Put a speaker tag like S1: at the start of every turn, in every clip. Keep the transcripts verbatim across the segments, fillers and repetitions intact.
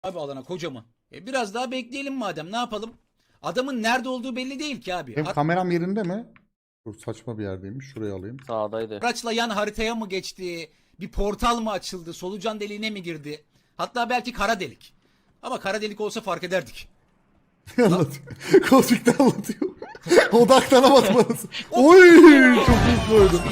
S1: abi alana kocaman. E biraz daha bekleyelim madem, ne yapalım? Adamın nerede olduğu belli değil ki abi.
S2: Benim kameram yerinde mi? Dur, saçma bir yerdeymiş. Şurayı alayım.
S3: Sağdaydı.
S1: Araçla yan haritaya mı geçti? Bir portal mı açıldı? Solucan deliğine mi girdi? Hatta belki kara delik. Ama kara delik olsa fark ederdik.
S2: Anlatıyor. Kozmik'te anlatıyor. Odaklanamadım anasını. Oy! Çok hızlı oydu.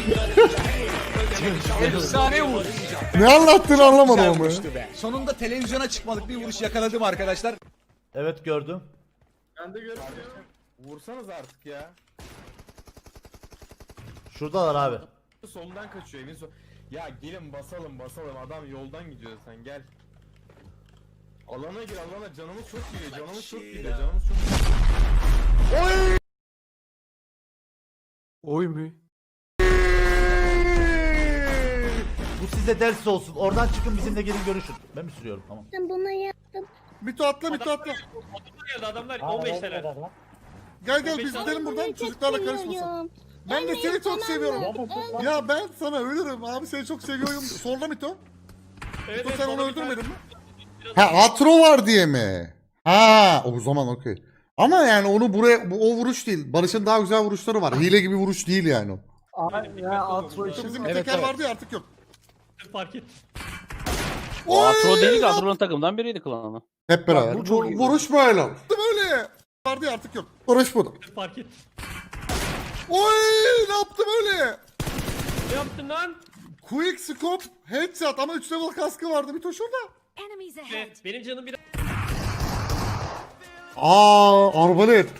S1: Efsane vuruş.
S2: Ne anlattığını anlamadım
S1: Güzel
S2: ama.
S1: vuruştu be. Sonunda televizyona çıkmalık bir vuruş yakaladım arkadaşlar.
S4: Evet gördüm.
S5: Ben de görüyorum. Vursanız artık ya.
S4: Şuradalar abi.
S5: Soldan kaçıyor evin sol. Ya gelin basalım basalım, adam yoldan gidiyor, sen gel. Alana gir alana, canımız çok gidiyor, canımız çok gidiyor, canımız çok gidiyor.
S6: Oy mu?
S4: Bu size ders olsun. Oradan çıkın, bizimle gelin görüşün. Ben mi sürüyorum? Tamam.
S7: Ben bunu yaptım.
S2: Mito atla, Mito atla.
S8: Adamlar on beşteler.
S2: Gel gel biz gidelim buradan, çocuklarla karışmasın.
S7: Seviyorum.
S2: Ben de seni çok seviyorum.
S7: Evet.
S2: Ya ben sana ölürüm abi, seni çok seviyorum. Sorla Mito.
S8: Evet,
S2: Mito
S8: evet,
S2: sen onu
S8: orada bir tane-
S2: öldürmedin mi? Ha, atro var diye mi? Ha, o zaman okey. Ama yani onu buraya, bu o vuruş değil. Barış'ın daha güzel vuruşları var. Hile gibi vuruş değil yani o.
S6: Abi ya atro
S2: Bizim
S6: için
S2: bir teker vardı ya, artık yok.
S8: Fark et.
S3: O Atro değil ki, Atro'nun takımdan biriydi klanı.
S2: Hep beraber.
S6: bu çok
S2: Vur-
S6: iyi.
S2: vuruş böyle. Böyle. Vardı ya, artık yok. Vuruş bu.
S8: Fark et.
S2: Oy, ne yaptım öyle?
S8: Ne yaptın lan?
S2: Quick scope headshot ama üç level kaskı vardı bir şurada.
S7: Enemies ahead.
S8: Evet, benim canım bir
S2: Aa, arbalet.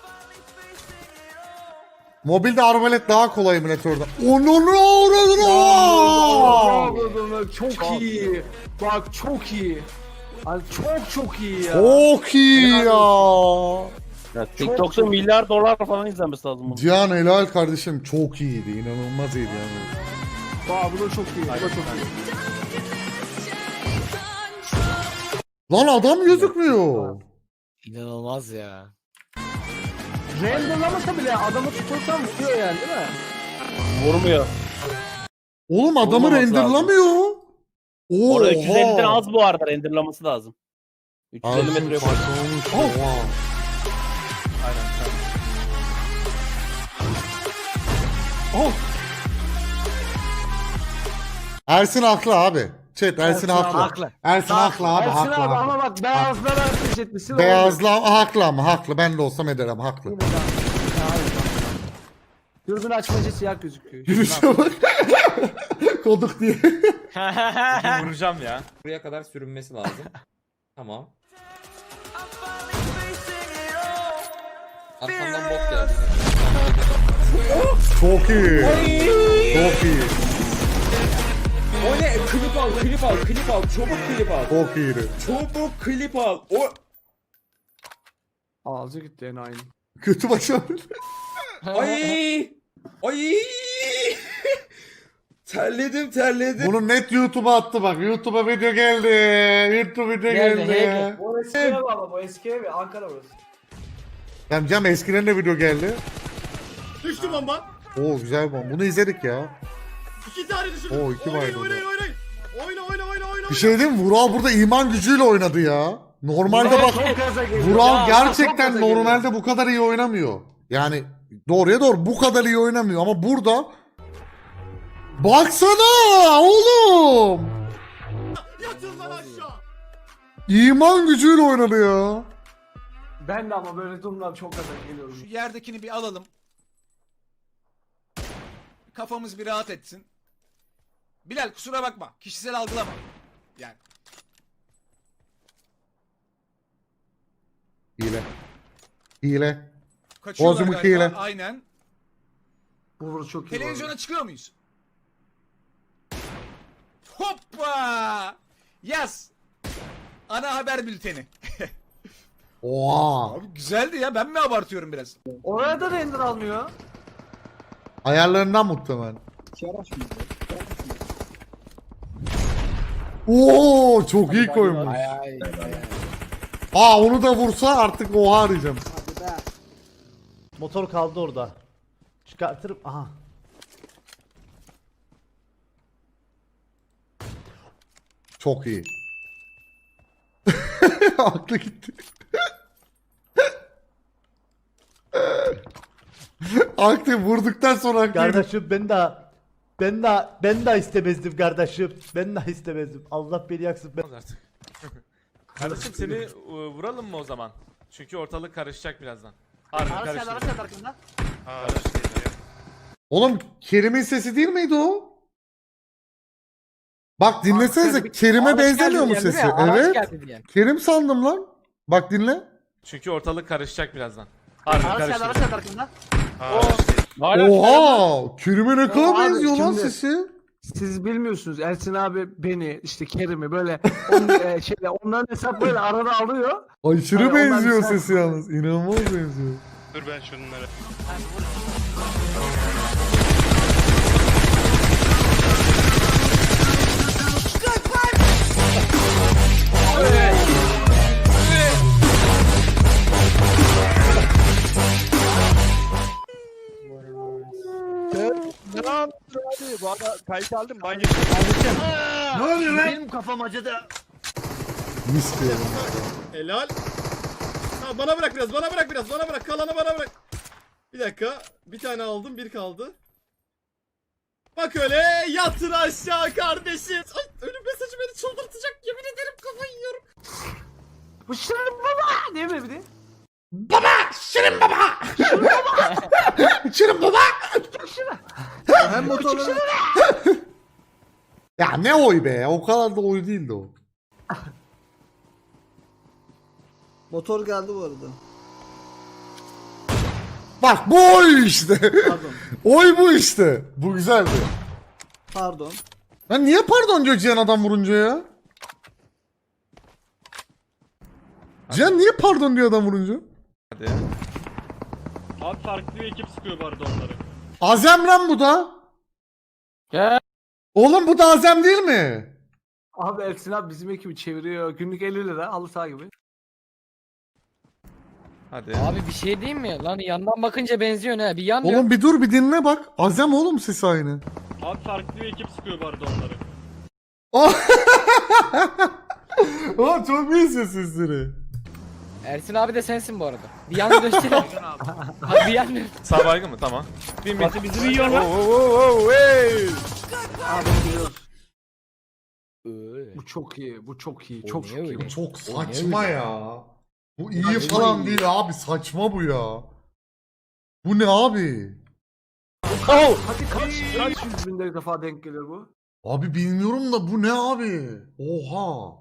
S2: Mobilde arbalet daha kolay emülatörde. Onu ne uğradın?
S6: çok iyi. Bak çok iyi. Abi çok çok iyi ya.
S2: Çok iyi ya.
S3: Ya TikTok'ta milyar dolar falan izlenmesi lazım bunun.
S2: Cihan helal kardeşim, çok iyiydi. İnanılmaz iyiydi yani.
S6: Bak bu da çok iyi. Bu da çok iyi.
S2: Lan adam gözükmüyor.
S9: İnanılmaz ya.
S6: Renderlamasa bile adamı tutursan vuruyor yani, değil mi?
S3: Vurmuyor.
S2: Oğlum adamı
S3: Olmaması
S2: renderlamıyor. Oha.
S3: Orada üç yüz elliden az bu arada, renderlaması lazım. üç yüz elli
S2: Ağzım
S3: metre yok.
S2: saçmalamış. Oha.
S6: Oh.
S2: Ersin haklı abi. Chat, Ersin,
S6: Ersin
S2: haklı.
S9: haklı.
S2: Ersin haklı abi,
S6: Ersin
S2: haklı.
S6: abi
S2: haklı.
S6: ama bak beyazlara ateş etmişsin.
S2: Beyazla haklı ama haklı. Ben de olsam ederim, haklı.
S6: Dürbün açmacı siyah gözüküyor.
S2: Yürüyüşe bak. Koduk diye.
S10: Vuracağım ya. Buraya kadar sürünmesi lazım. Tamam. Arkamdan bot geldi.
S2: Çok iyi. Çok iyi.
S10: O ne? Klip al, klip al, klip al. Çabuk klip al.
S2: Çok iyiydi.
S10: Çabuk klip al. O
S6: Ağzı gitti en aynı.
S2: Kötü başarı.
S10: ay! Ay! terledim, terledim.
S2: Bunu net YouTube'a attı bak. YouTube'a video geldi. YouTube video
S9: Geldi,
S2: geldi.
S6: Bu eski ev ama bu eski ev Ankara burası.
S2: Tamam canım, eskiden de video geldi.
S5: Düştü bomba.
S2: Oo, güzel bomba. Bunu izledik ya.
S5: İki tane düşürdüm.
S2: Oo, iki
S5: Oynayın,
S2: baydı
S5: oynayın, oynayın. Oyna oyna oyna oyna.
S2: Bir şey diyeyim mi? Vural burada iman gücüyle oynadı ya. Normalde bak,
S6: Çok gaza geliyor.
S2: Vural
S6: Ya,
S2: gerçekten
S6: çok gaza geliyor.
S2: normalde bu kadar iyi oynamıyor. Yani doğruya doğru bu kadar iyi oynamıyor ama burada baksana oğlum.
S5: Yatın lan aşağı.
S2: İman gücüyle oynadı ya.
S6: Ben de ama böyle durumlar çok gaza geliyorum.
S1: Şu yerdekini bir alalım. Kafamız bir rahat etsin. Bilal kusura bakma. Kişisel algılama. Yani.
S2: Hile. Hile.
S1: Kaçıyorlar
S2: Bozumuk
S1: galiba.
S2: hile.
S1: Aynen.
S6: Bu vuru çok iyi.
S1: Televizyona çıkıyor muyuz? Hoppa! Yaz. Ana haber bülteni.
S2: Oha.
S1: Abi güzeldi ya. Ben mi abartıyorum biraz?
S6: Oraya da render almıyor.
S2: Ayarlarından muhtemelen. Oo, çok iyi koymuş.
S9: Ay ay ay.
S2: Aa, onu da vursa artık oha arayacağım.
S4: Motor kaldı orada. Çıkartırım. Aha.
S2: Çok iyi. Aklı gitti. Aklı vurduktan sonra aklı.
S4: Kardeşim ben daha ben daha ben daha istemezdim kardeşim. Ben daha istemezdim. Allah beni yaksın. Ben...
S11: Artık. Kardeşim seni e, vuralım mı o zaman? Çünkü ortalık karışacak birazdan. Harbi karıştı.
S2: Oğlum Kerim'in sesi değil miydi o? Bak dinlesenize Kerim'e benzemiyor mu sesi? Evet. Kerim sandım lan. Bak dinle.
S11: Çünkü ortalık karışacak birazdan. Harbi karıştı.
S2: Oha! Kerim'e ne kadar
S6: Abi,
S2: benziyor lan
S6: şimdi-
S2: sesi.
S6: Siz bilmiyorsunuz Ersin abi beni işte Kerim'i böyle on, e, şeyle onların hesap böyle arada alıyor.
S2: Aşırı
S6: Hani onlar
S2: benziyor
S6: güzel-
S2: sesi yalnız. İnanılmaz benziyor.
S5: Dur ben şunları.
S3: Ne yaptın abi? Bu arada kayıt aldım. Ben
S4: Ne oluyor lan? Benim kafam acıdı.
S2: Mis diyorum.
S5: Helal. Ha, bana bırak biraz, bana bırak biraz, bana bırak. Kalanı bana bırak. Bir dakika. Bir tane aldım, bir kaldı. Bak öyle yatır aşağı kardeşim. Ay ölüm mesajı beni çıldırtacak. Yemin ederim kafayı yiyorum.
S6: Bu şirin baba değil mi bir de?
S2: Şirin baba.
S6: Hem motorları.
S2: Ya ne oy be? O kadar da oy değildi o.
S6: Motor geldi bu arada.
S2: Bak bu oy işte.
S6: Pardon.
S2: Oy bu işte. Bu güzeldi.
S6: Pardon.
S2: Lan niye pardon diyor Cihan adam vurunca ya? Cihan niye pardon diyor adam vurunca?
S11: Hadi.
S8: Abi farklı bir ekip sıkıyor bu arada onları.
S2: Azem lan bu da.
S3: Gel.
S2: Oğlum bu da Azem değil mi?
S6: Abi Ersin abi bizim ekibi çeviriyor. Günlük elli lira halı saha gibi.
S11: Hadi.
S9: Abi bir şey diyeyim mi? Lan yandan bakınca benziyor ne? Bir yan
S2: Oğlum bir dur bir dinle bak. Azem oğlum sesi aynı.
S8: Abi farklı bir ekip sıkıyor bu arada onları.
S2: Oğlum çok iyi ses sesleri.
S9: Ersin abi de sensin bu arada. Bir yan göster. Abi bir yan
S11: Sağ baygın mı? Tamam. Bin bin.
S8: Bizi bir yiyorlar.
S6: Abi biliyoruz.
S9: Öyle.
S6: Bu çok iyi. Bu çok iyi.
S9: O
S6: Çok
S9: ne
S6: çok
S9: öyle?
S6: iyi.
S2: Çok
S9: O ne
S2: saçma
S9: öyle?
S2: ya. Bu iyi falan değil abi saçma bu ya. Bu ne abi?
S6: Hadi kaç, kaç yüz bin defa denk gelir bu?
S2: Abi bilmiyorum da bu ne abi? Oha.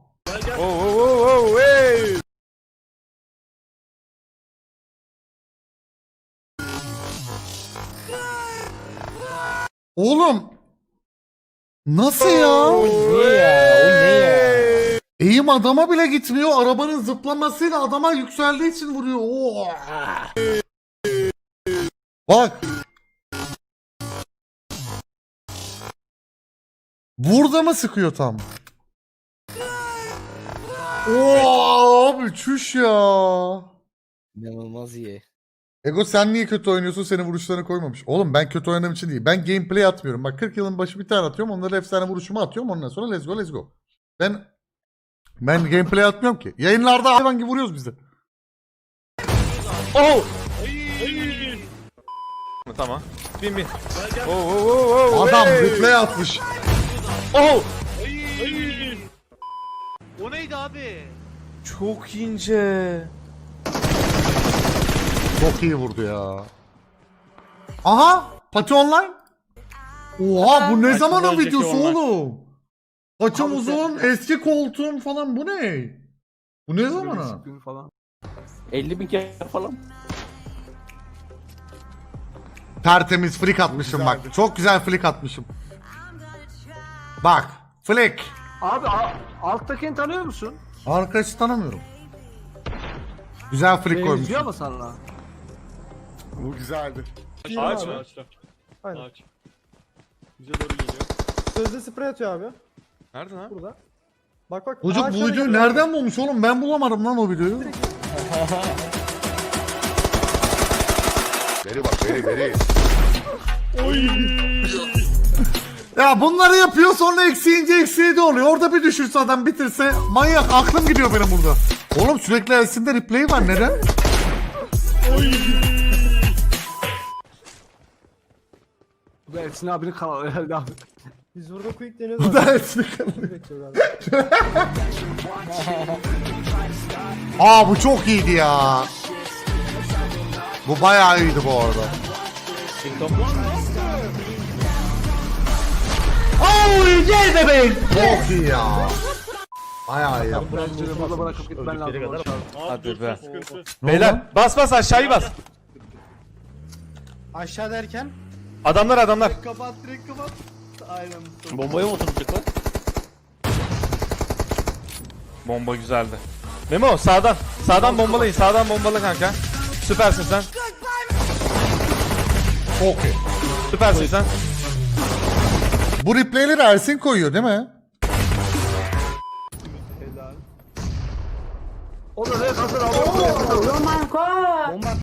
S2: Oğlum. Nasıl ya?
S9: O ne ya? O ne ya?
S2: Eğim adama bile gitmiyor. Arabanın zıplamasıyla adama yükseldiği için vuruyor. Oha. Bak. Burada mı sıkıyor tam? Oo abi çüş ya.
S9: İnanılmaz iyi.
S2: Ego sen niye kötü oynuyorsun? Senin vuruşlarını koymamış. Oğlum ben kötü oynadığım için değil. Ben gameplay atmıyorum. Bak kırk yılın başı bir tane atıyorum. Onları efsane vuruşumu atıyorum. Ondan sonra let's go let's go. Ben ben gameplay atmıyorum ki. Yayınlarda hayvan gibi vuruyoruz biz de.
S11: Tamam. Bin bin.
S2: Adam replay atmış.
S5: O neydi abi?
S11: Çok ince.
S2: Çok iyi vurdu ya. Aha! Pati online. Oha bu ne
S8: Kaçın
S2: zamanın
S8: önceki
S2: videosu
S8: online.
S2: oğlum? Saçım
S6: Abi
S2: uzun, eski koltuğum falan bu ne? Bu ne zamana?
S6: Gün falan.
S3: elli bin kere falan.
S2: Tertemiz flick atmışım bak. Çok güzel flick atmışım. Bak, flick.
S6: Abi a- alttakini tanıyor musun?
S2: Arkadaşı tanımıyorum. Güzel flick
S6: Benziyor
S2: koymuşum.
S6: mu sana?
S2: Bu güzeldi.
S8: Ağaç mı? Ağaçta.
S6: Aynen.
S8: Ağaç. Bize doğru geliyor.
S6: Sözde sprey atıyor abi.
S11: Nerede lan?
S6: Burada. Bak bak.
S2: Çocuk bu videoyu nereden bulmuş oğlum? Ben bulamadım lan o videoyu.
S5: Veri bak veri veri.
S2: Ya bunları yapıyor sonra eksiğince eksiği de oluyor. Orada bir düşürse adam bitirse manyak aklım gidiyor benim burada. Oğlum sürekli Ersin'de replay var neden?
S6: Bu Ersin abinin kanalı herhalde abi.
S4: Biz burada quick deniyoruz.
S2: Bu da Ersin'in kanalı. Aa bu çok iyiydi ya. Bu bayağı iyiydi bu arada.
S4: Oy gel bebeğim.
S2: Çok iyi ya. Bayağı iyi yaptı.
S6: Bence burada bırakıp gitmen lazım.
S11: Hadi be.
S8: Sıkıntı.
S11: Beyler bas bas aşağıyı bas.
S4: Aşağı derken?
S11: Adamlar adamlar.
S4: Kapat direkt kapat. Aynen.
S3: Bombaya mı oturtacaklar?
S11: Bomba güzeldi. Memo sağdan. Sağdan bombalayın. Sağdan bombala kanka. Süpersin sen.
S2: Çok iyi.
S11: Süpersin sen.
S2: Bu replayleri Ersin koyuyor değil mi?
S6: O da ne kadar abi.